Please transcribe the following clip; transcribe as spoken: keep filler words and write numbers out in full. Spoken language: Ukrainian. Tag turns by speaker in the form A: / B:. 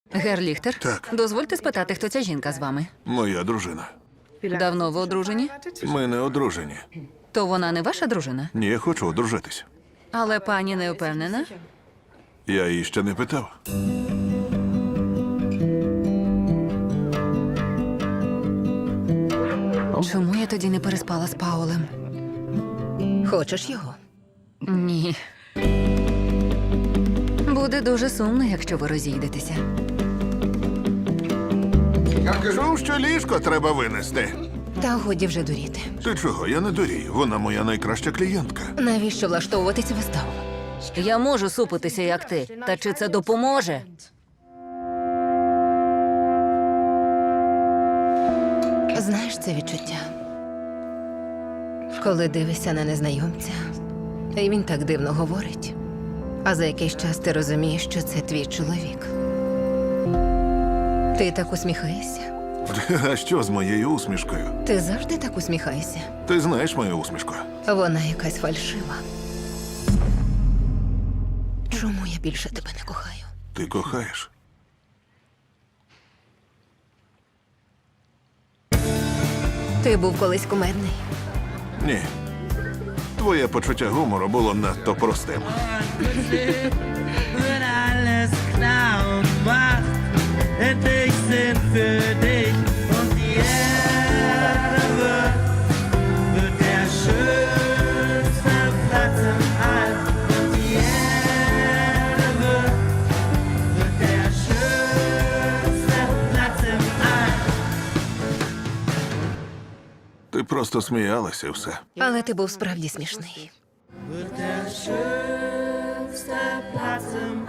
A: Гер Ліхтер?
B: Так.
A: Дозвольте спитати, хто ця жінка з вами?
B: Моя дружина.
A: Давно ви одружені?
B: Ми не одружені.
A: То вона не ваша дружина?
B: Ні, я хочу одружитись.
A: Але пані не впевнена?
B: Я її ще не питав.
A: Чому я тоді не переспала з Паулем?
C: Хочеш його?
A: Ні. Буде дуже сумно, якщо ви розійдетеся.
B: Кажу, що ліжко треба винести.
C: Та годі вже дуріти.
B: Ти чого? Я не дурію. Вона моя найкраща клієнтка.
C: Навіщо влаштовувати цю виставу?
A: Я можу супитися, як ти. Та чи це допоможе?
C: Знаєш це відчуття? Коли дивишся на незнайомця, і він так дивно говорить, а за якийсь час ти розумієш, що це твій чоловік. Ти так усміхаєшся?
B: А що з моєю усмішкою?
C: Ти завжди так усміхаєшся?
B: Ти знаєш мою усмішку?
C: Вона якась фальшива. Чому я більше тебе не кохаю?
B: Ти кохаєш.
C: Ти був колись кумедний.
B: Ні. Твоє почуття гумору було надто простим.
D: Wird alles klar und macht endlich Sinn für dich. Und die Erde wird, wird der schönste Platz im All. Und die Erde wird, wird der schönste Platz im All.
B: Ти просто сміялася і все.
C: Але ти був справді смішний.
D: Wird der schönste Platz im